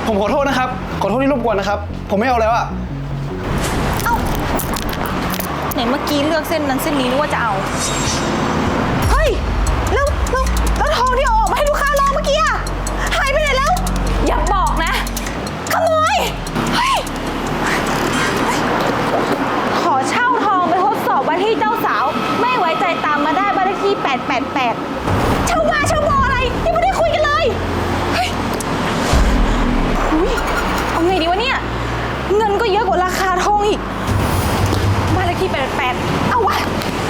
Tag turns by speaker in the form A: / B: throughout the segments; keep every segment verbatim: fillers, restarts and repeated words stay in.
A: ผมขอโทษนะครับขอโทษที่รบกวนนะครับผมไม่เอาแล้วอะ
B: เอ้าไหนเมื่อกี้เลือกเส้นนั้นเส้นนี้นึกว่าจะเอาเฮ้ยแล้วแล้วแล้วทองที่เอาออกมาให้ลูกค้าลองเมื่อกี้อะหายไปไหนแล้วอย่าบอกนะขโมยเฮ้ยขอเช่าทองไปทดสอบว่าที่เจ้าสาวไม่ไว้ใจตามมาได้บ้านเลขที่แปดแปดแปดเช่ามาเช่าบออะไรยังไม่ได้คุยกันเลยเฮ้ยอุ๊ยเอาไงดีวะเนี่ยเงินก็เยอะกว่าราคาทองอีกบ้านเลขที่แปดแปดเอาวะ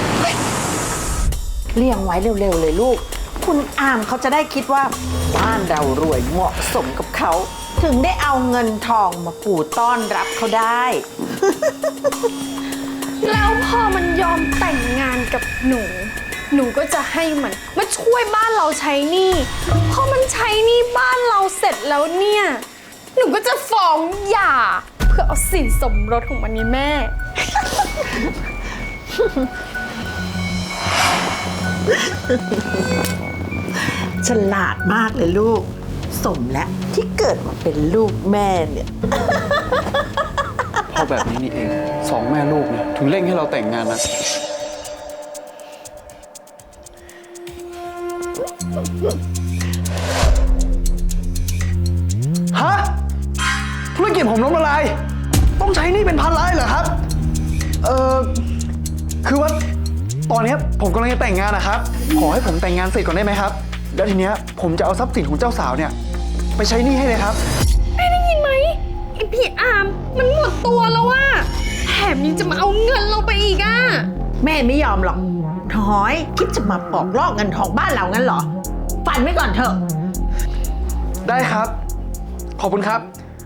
C: เลี้ยงไว้เร็วๆเลยลูกคุณอามเขาจะได้คิดว่าบ้านเรารวยเหมาะสมกับเขาถึงได้เอาเงินทองมาปูต้อนรับเขาได้
D: แล้วพอมันยอมแต่งงานกับหนู หนูก็จะให้มันมาช่วยบ้านเราใช้หนี้พอมันใช้หนี้บ้านเราเสร็จแล้วเนี่ย หนูก็จะฟ้องหย่าเพื่อเอาสินสมรสของมันนี่แม่
C: ฉลาดมากเลยลูกสมแล้วที่เกิดมาเป็นลูกแม่เนี่ย
A: เพราะแบบนี้นี่เองสองแม่ลูกเนี่ยถึงเร่งให้เราแต่งงานนะฮะธุรกิจผมล้มละลายต้องใช้หนี่เป็นพันล้านเหรอครับเออคือว่าตอนนี้ผมกำลังจะแต่งงานนะครับขอให้ผมแต่งงานเสร็จก่อนได้ไหมครับแล้วทีเนี้ยผมจะเอาทรัพย์สินของเจ้าสาวเนี่ยไปใช้หนี้ให้เลยครับ
D: แม่ได้ยินไหมไอพี่อามมันหมดตัวแล้วว่าแถมยังจะมาเอาเงินเราไปอีกอ่ะ
C: แม่ไม่ยอมหรอกน้อยคิดจะมาปอกลอกเงินทองบ้านเรางั้นเหรอฝันไว้ก่อนเถอะ
A: ได้ครับขอบคุณครับ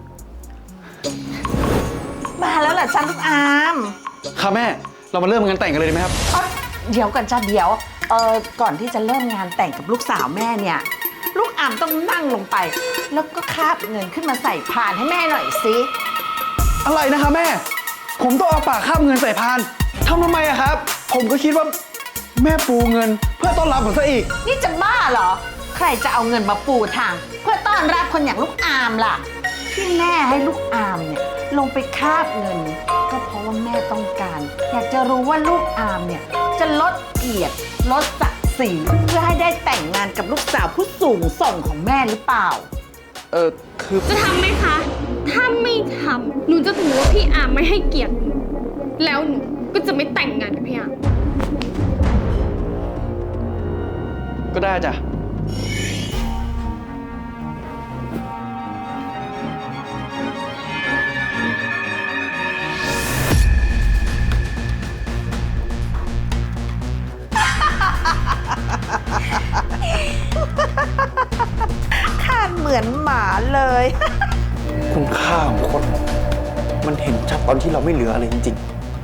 C: มาแล้วแหละจ้าลูกอาม
A: ค่ะแม่เรามาเริ่มงานแต่งกันเลยดีไหมครับ
C: เดี๋ยวก่อนจ้าเดี๋ยวเออก่อนที่จะเริ่มงานแต่งกับลูกสาวแม่เนี่ยลูกอามต้องนั่งลงไปแล้วก็คาบเงินขึ้นมาใส่พานให้แม่หน่อยสิ
A: อะไรนะคะแม่ผมต้องเอาปากคาบเงินใส่พานทำทำไมอะครับผมก็คิดว่าแม่ปูเงินเพื่อต้อนรับผมซะอีก
C: นี่จะบ้าเหรอใครจะเอาเงินมาปูทางเพื่อต้อนรับคนอย่างลูกอามล่ะที่แม่ให้ลูกอามเนี่ยลงไปคาบเงินก็เพราะว่าแม่ต้องการอยากจะรู้ว่าลูกอามเนี่ยจะลดเกียรติลดศักดิ์ศรีเพื่อให้ได้แต่งงานกับลูกสาวผู้สูงส่งของแม่หรือเปล่า
A: เออคือ
D: จะทำไหมคะถ้าไม่ทำหนูจะถือว่าพี่อามไม่ให้เกียรติหนูแล้วหนูก็จะไม่แต่งงานกับพี่อาม
A: ก็ได้จ้ะ
C: ข้าเหมือนหมาเลย
A: คุณค่าของคนมันเห็นชัดตอนที่เราไม่เหลืออะไรจริง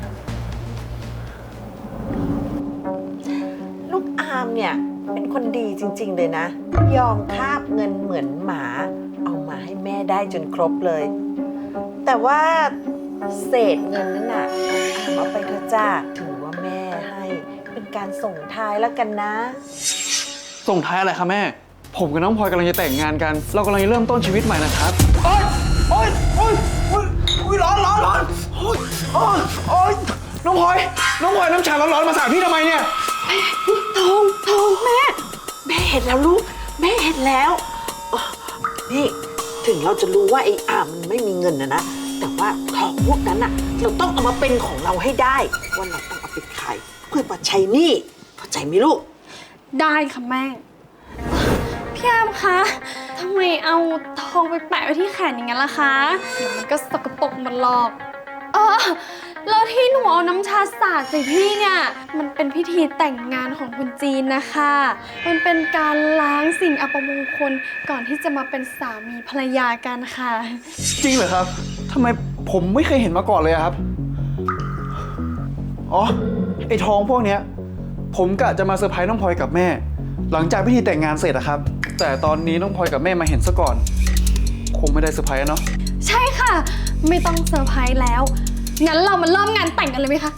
C: ๆลูกอามเนี่ยเป็นคนดีจริงๆเลยนะยอมคาบเงินเหมือนหมาเอามาให้แม่ได้จนครบเลยแต่ว่าเศษเงินนั้นน่ะอามเอาไปเถอะจ้าถือว่าแม่ให้เป็นการส่งท้ายแล้วกันนะ
A: ส่งท้ายอะไรคะแม่ผมกับน้องพลอยกำลังจะแต่งงานกันเรากำลังจะเริ่มต้นชีวิตใหม่นะครับโอ๊ยโอ๊ยโอ๊ยโอ๊ยโอ๊ยร้อนร้อนร้อนโอ๊ยโอ๊ยโอ๊ยน้องพลอยน้องพลอยน้ำชาร้อนๆมาสาดพี่ทำไมเนี่ย
C: ทองทองแม่แม่เห็นแล้วลูกแม่เห็นแล้วนี่ถึงเราจะรู้ว่าไอ้อามมันไม่มีเงินนะนะแต่ว่าทองพวกนั้นน่ะเราต้องเอามาเป็นของเราให้ได้ว่าเราต้องเอาไปขายเพื่อมาใช้หนี้เข้าใจไหมลูก
D: ได้ค่ะแม่พี่อามคะทำไมเอาทองไปแปะไว้ที่แขนอย่างนั้นล่ะคะเดี๋ยวมันก็สกปรกมันหลอกเออแล้วที่หนูเอาน้ำชาสาดใส่พี่เนี่ยมันเป็นพิธีแต่งงานของคนจีนนะคะมันเป็นการล้างสิ่งอัปมงคลก่อนที่จะมาเป็นสามีภรรยากันค่ะ
A: จริงเหรอครับทำไมผมไม่เคยเห็นมาก่อนเลยครับอ๋อไอ้ทองพวกเนี้ยผมกะจะมาเซอร์ไพรส์น้องพลอยกับแม่หลังจากพิธีแต่งงานเสร็จอะครับแต่ตอนนี้น้องพลอยกับแม่มาเห็นซะก่อนคงไม่ได้เซอร์ไพรส์เนาะ
D: ใช่ค่ะไม่ต้องเซอร์ไพรส์แล้วงั้นเรามาเริ่มงานแต่งกันเลยไหมคะ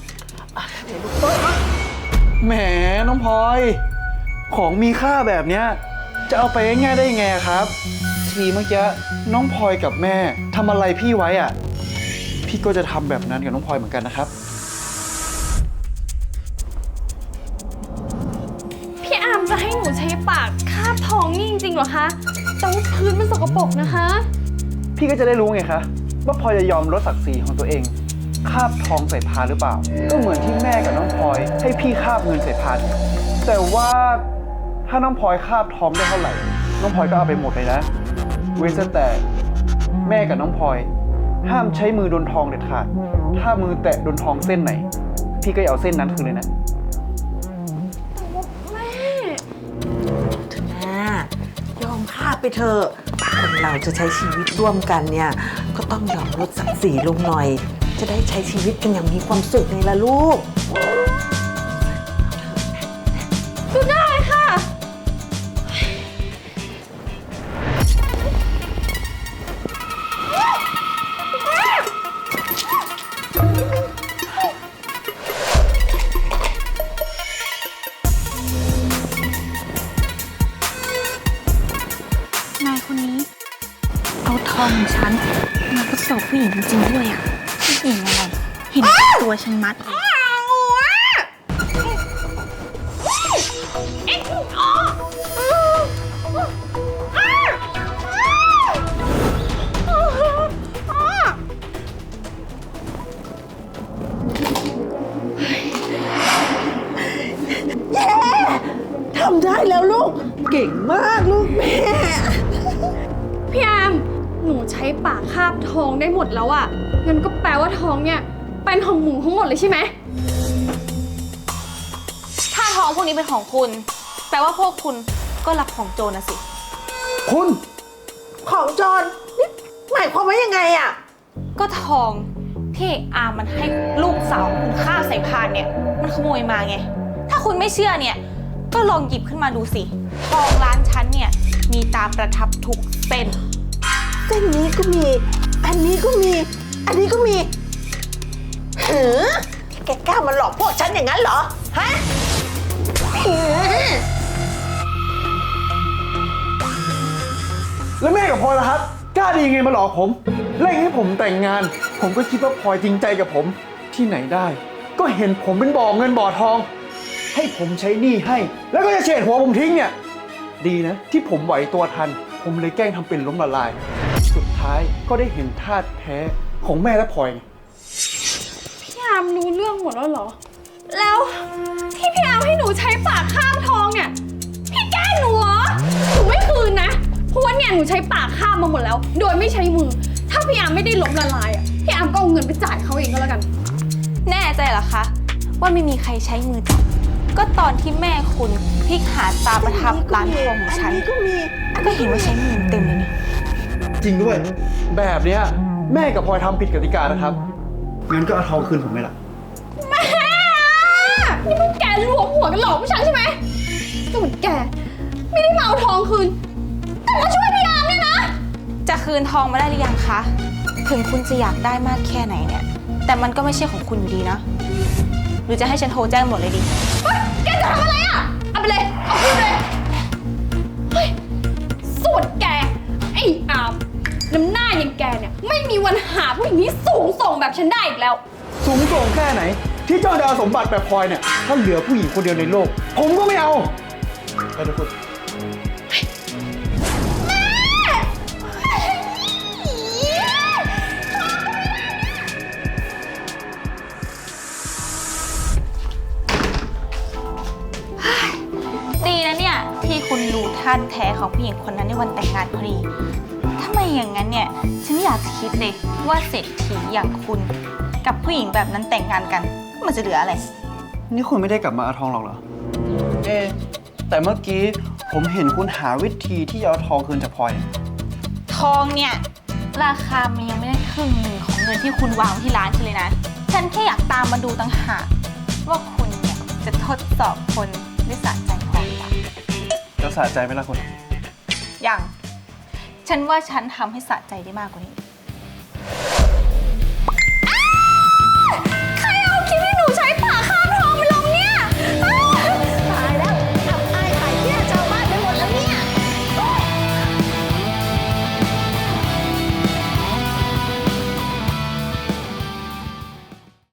A: แหมน้องพลอยของมีค่าแบบเนี้ยจะเอาไปง่ายๆได้ยังไงครับทีเมื่อกี้น้องพลอยกับแม่ทำอะไรพี่ไว้อ่ะ พี่ก็จะทำแบบนั้นกับน้องพลอยเหมือนกันนะครับ
D: พี่อาร์มจะให้หนูใช้ปากคาบทองนี่จริงๆเหรอคะแต่ว่าพื้นมันสกปรกนะคะ
A: พี่ก็จะได้รู้ไงคะว่าพลอยจะยอมลดศักดิ์ศรีของตัวเองคาบทองใส่พานหรือเปล่า ก็เหมือนที่แม่กับน้องพลอยให้พี่คาบเงินใส่พานแต่ว่าถ้าน้องพลอยคาบทองได้เท่าไหร่น้องพลอยก็เอาไปหมดเลยนะเว้นแต่แม่กับน้องพลอยห้ามใช้มือโดนทองเด็ดขาดถ้ามือแตะโดนทองเส้นไหน พี่ก็อย่าเอาเส้นนั้นคืนเลยนะ
D: แม่
C: อ่ายอมพลาดไปเถอะคนเราจะใช้ชีวิตร่วมกันเนี่ย ก็ต้องยอมลดศักดิ์ศรีลงหน่อย จะได้ใช้ชีวิตกันอย่างมีความสุขไงล่ะลูก
D: ก็ได้ค่ะ
B: นายคนนี้ เอาทองของฉันมาทดสอบผู้หญิงจริงๆด้วยอ่ะผู้หญิงอะไรเห็นตัวฉันมัด
C: ทำได้แล้วลูก เก่งมากลูกแม่
D: พี่อาร์มหนูใช้ปากคาบทองได้หมดแล้วอะงั้นก็แปลว่าทองเนี่ยเป็นของหมูทั้งหมดเลยใช่ไหม
B: ถ้าทองพวกนี้เป็นของคุณ แปลว่าพวกคุณก็รับของโจรนะสิ
A: คุณ
C: ของจรนี่หมายความว่ายังไงอะ
B: ก็ทองที่เอกอามันให้ลูกสาวคุณฆ่าใส่พานเนี่ย มันขโมยมาไง ถ้าคุณไม่เชื่อเนี่ย ก็ลองหยิบขึ้นมาดูสิ ทองร้านฉันเนี่ย มีตาประทับทุกเส้น
C: เส้นนี้ก็มี อันนี้ก็มี อันนี้ก็มีหือแกกล้ามาหลอกพวกฉันอย่างนั้นเหรอ ฮะหือ
A: แล้วแม่กับพลอยล่ะครับ กล้าดียังไงมาหลอกผมเร่งให้ผมแต่งงาน ผมก็คิดว่าพลอยจริงใจกับผมที่ไหนได้ ก็เห็นผมเป็นบ่อเงินบ่อทอง ให้ผมใช้หนี้ให้ แล้วก็จะเฉดหัวผมทิ้งเนี่ย ดีนะ ที่ผมไหวตัวทัน ผมเลยแกล้งทำเป็นล้มละลาย สุดท้ายก็ได้เห็นท่าตุแท้ของแม่และพลอยไง
D: พี่อาร์มรู้เรื่องหมดแล้วเหรอ แล้วที่พี่อาร์มให้หนูใช้ปากคาบทองเนี่ย พี่แกล้งหนูเหรอ หนูไม่คืนนะ เพราะว่าเนี่ยหนูใช้ปากคาบมาหมดแล้ว โดยไม่ใช้มือ ถ้าพี่อาร์มไม่ได้ล้มละลายอ่ะ พี่อาร์มก็เอาเงินไปจ่ายเขาเองก็แล้วกัน
B: แน่ใจเหรอคะ ว่าไม่มีใครใช้มือจับ ก็ตอนที่แม่คุณพลิกหาตาประทับร้านทองของฉัน
C: อันนี้ก็มี
B: ก็เห็นว่าใช้มือเต็มเลยนี่
A: จริงด้วย แบบเนี้ยแม่กับพลอยทำผิดกติกานะครับ งั้นก็เอาทองคืนผมไหมล่ะ
D: แม่นี่พวกแกรวมหัวกันหลอกผู้ชายใช่ไหมส่วนแกไม่ได้มาเอาทองคืน แต่มาช่วยพี่อาร์มเนี่ยนะ
B: จะคืนทองมาได้หรือยังคะ ถึงคุณจะอยากได้มากแค่ไหนเนี่ย แต่มันก็ไม่ใช่ของคุณอยู่ดีนะ หรือจะให้ฉันโทรแจ้งหมดเลยดี
D: เฮ้ยแกจะทำอะไรอ่ะ เอาไปเลย เอาคืนเลย เฮ้ยส่วนแก ไอ้อามน้ำหน้าอย่างแกเนี่ย ไม่มีวันหาผู้หญิงที่สูงส่งแบบฉันได้อีกแล้ว
A: สูงส่งแค่ไหน ที่เจ้าดาวสมบัติแบบพลอยเนี่ย ถ้าเหลือผู้หญิงคนเดียวในโลก ผมก็ไม่เอาไปทุกคน
B: ดีนะเนี่ย ที่คุณรู้ท่าแท้ของผู้หญิงคนนั้นในวันแต่งงานพอดี ถ้าไม่อย่างนั้นเนี่ย ฉันไม่อยากจะคิดเลยว่าเศรษฐีอย่างคุณ กับผู้หญิงแบบนั้นแต่งงานกัน มันจะเหลืออะไร
A: นี่คุณไม่ได้กลับมาเอาทองหรอกเหรอ เอ๊ะแต่เมื่อกี้ผมเห็นคุณหาวิธีที่จะเอาทองคืนจากพลอยเนี่ย
B: ทองเนี่ย ราคามันยังไม่ได้ครึ่งหนึ่งของเงินที่คุณวางไว้ที่ร้านฉันเลยนะ ฉันแค่อยากตามมาดูต่างหากว่าคุณเนี่ยจะทดสอบคนด้วยสะใจพอหรือเปล่า
A: แล้วสะใจไหมล่ะคุณ
B: ยัง ฉันว่าฉันทำให้สะใจได้มากกว่านี้